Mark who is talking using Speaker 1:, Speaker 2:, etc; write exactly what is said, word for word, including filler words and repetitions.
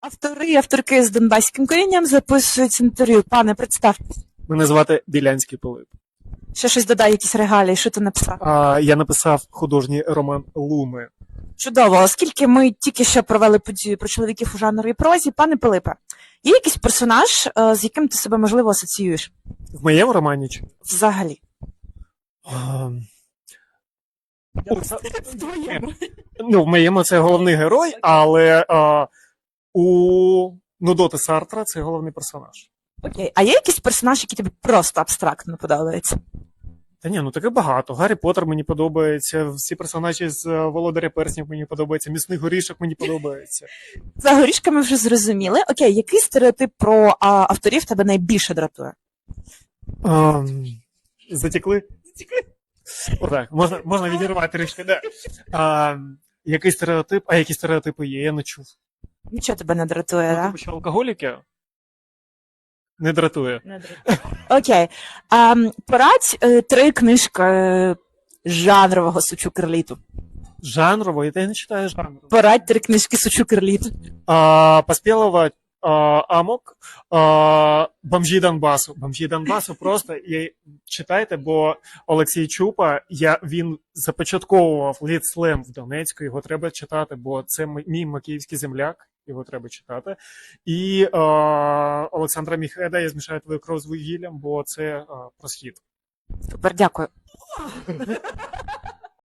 Speaker 1: Автори і авторки з донбаським корінням записують інтерв'ю. Пане, представтесь.
Speaker 2: Мене звати Білянський Пилип.
Speaker 1: Ще щось додай, якісь регалії, що ти написав?
Speaker 2: А, я написав художній роман Луми.
Speaker 1: Чудово, оскільки ми тільки що провели подію про чоловіків у жанровій прозі, пане Пилипе, є якийсь персонаж, е, з яким ти себе, можливо, асоціюєш?
Speaker 2: В моєму романі чи?
Speaker 1: Взагалі.
Speaker 2: А,
Speaker 1: В твоєму.
Speaker 2: ну, в моєму це головний герой, але а, у Нудоти Сартра це головний персонаж.
Speaker 1: Окей, а є якийсь персонаж, який тобі просто абстрактно подобається?
Speaker 2: Та ні, ну таке багато. Гаррі Поттер мені подобається, всі персонажі з е, Володаря Перснів мені подобаються, Місний горішок мені подобається.
Speaker 1: За горішками вже зрозуміли. Окей, який стереотип про а, авторів тебе найбільше дратує?
Speaker 2: А, затекли? Затекли? Отак, можна, можна відірвати трішки, да. А, який стереотип? А які стереотипи є? Я не чув.
Speaker 1: Нічого тебе не дратує,
Speaker 2: Ну,
Speaker 1: так?
Speaker 2: типу, що алкоголіки? Не дратує.
Speaker 1: Не дратує. Окей. А, порадь е, три книжки е, жанрового сучу керліту.
Speaker 2: Жанрово, і ти не читаєш жанрово.
Speaker 1: Порадь три книжки сучу керліту.
Speaker 2: А, Поспілова, а, Амок, а, Бомжі Донбасу. Бомжі Донбасу просто і читайте, бо Олексій Чупа, я, він започатковував літ-слем в Донецьку, його треба читати, бо це м- мій макіївський земляк, його треба читати. І а, Олександра Міхеда «Я змішаю твою кров з вугіллям», бо це а, про схід.
Speaker 1: Супер, дякую.